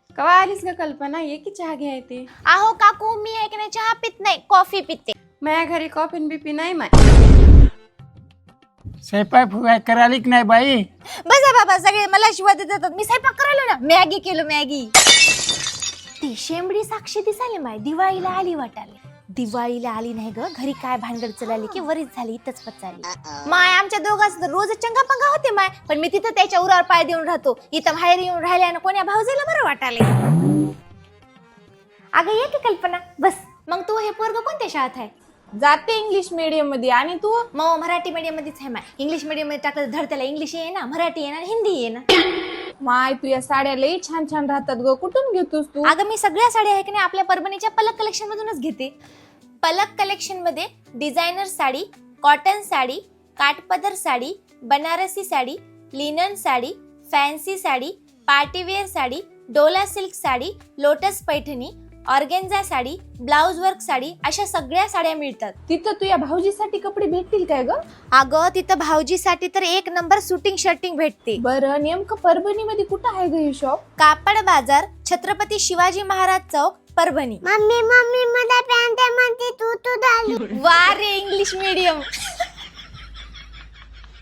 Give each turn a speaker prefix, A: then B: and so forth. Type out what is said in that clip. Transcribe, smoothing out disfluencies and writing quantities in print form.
A: कवा आलीस ग कल्पना? ये की चहा घ्या येते.
B: अहो काकू, मी आहे की नाही चहा पित नाही, कॉफी पिते.
A: माझ्या घरी कॉफी बिपी नाही माय.
C: स्वयंपाक फुगाय करायला की नाही बाई?
B: बसा बाबा, सगळे मला शिवाय देतात. मी स्वयंपाक करायला ना, मॅगी केलो मॅगी. ती शेंबडी साक्षी दिसाली माय, दिवाळीला आली वाटाले. दिवाळीला आली नाही ग, घरी काय भानगड चलाली की वरीच झाली, इथंच पचाली. माय आमच्या दोघांच रोज चंगा पंगा होते माय, पण मी तिथं त्याच्या उरावर पाय देऊन राहतो. इथं बाहेर येऊन राहिल्यानं कोण्या भाऊजीला बरं वाटाले. अगं ये की कल्पना, बस. मग तू हे पोरग कोणत्या शाळेत आहे?
A: जाते इंग्लिश मीडियम मध्ये. आणि तू?
B: मग मराठी मीडियम मध्येच आहे माय. इंग्लिश मीडियम मध्ये टाकलं धड त्याला इंग्लिश ये ना, मराठी ये ना, हिंदी ये ना.
A: माय तू या साड्या लई छान छान राहतात ग. कुठून घेतोस तू?
B: अगं मी सगळ्या साड्या आहे की नाही आपल्या परभणीच्या पलक कलेक्शन मधूनच घेते. पलक कलेक्शन मध्ये डिझायनर साडी, कॉटन साडी, काठपदर sari, Banarasi sari, linen sari, fancy sari, party wear sari, डोला silk sari, lotus Paithani, organza sari, blouse work sari, अशा सगळ्या साड्या मिळतात.
A: तिथं तू या भाऊजीसाठी कपडे भेटतील काय ग?
B: अगं तिथं भाऊजीसाठी तर एक नंबर शूटिंग शर्टिंग भेटते.
A: बरं, नेमकं परभणी मध्ये कुठं आहे ग हे शॉप?
B: कापड बाजार, छत्रपती शिवाजी महाराज चौक, परभणी.
D: मम्मी मला पॅन्ट म्हणते तू झाली.
B: वा रे इंग्लिश मीडियम.